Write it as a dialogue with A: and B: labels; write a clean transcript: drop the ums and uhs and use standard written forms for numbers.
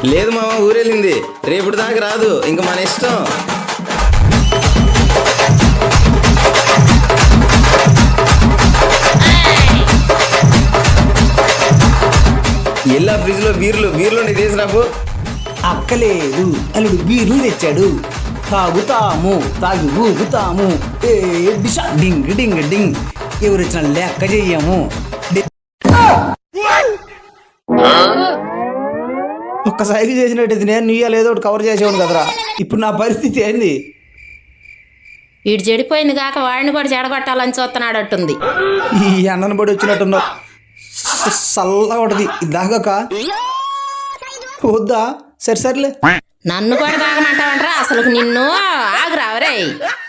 A: లేదు మామ, ఊరెళ్ళింది. రేపటి దాకా రాదు, ఇంక మన ఇష్టం. ఎల్లా ఫ్రిడ్జ్ లో బీర్లు తీసి రాపు.
B: అక్కలేదు, అల్లుడు బీర్లు తెచ్చాడు. తాగుతాము, తాగి ఊగుతాము. ఏ డిషా డింగ్ డింగ్ డింగ్. ఎవరిచ్చిన లెక్క చెయ్యము. ఒక్కసారి చేసినట్టు నేను నీయాలు ఏదో ఒకటి కవర్ చేసేవాడు కదరా. ఇప్పుడు నా పరిస్థితి ఏంది?
C: వీడు చెడిపోయింది కాక వాడిని కూడా చెడగొట్టాలని చూస్తున్నాడట్టుంది.
B: ఈ అన్నను పడి వచ్చినట్టున్నావు. చల్లగా ఉంటది దాగాక వద్దా? సరే సర్లే.
C: నన్ను కూడా తాగమంటావంటరా? అసలు నిన్ను ఆగురావరే.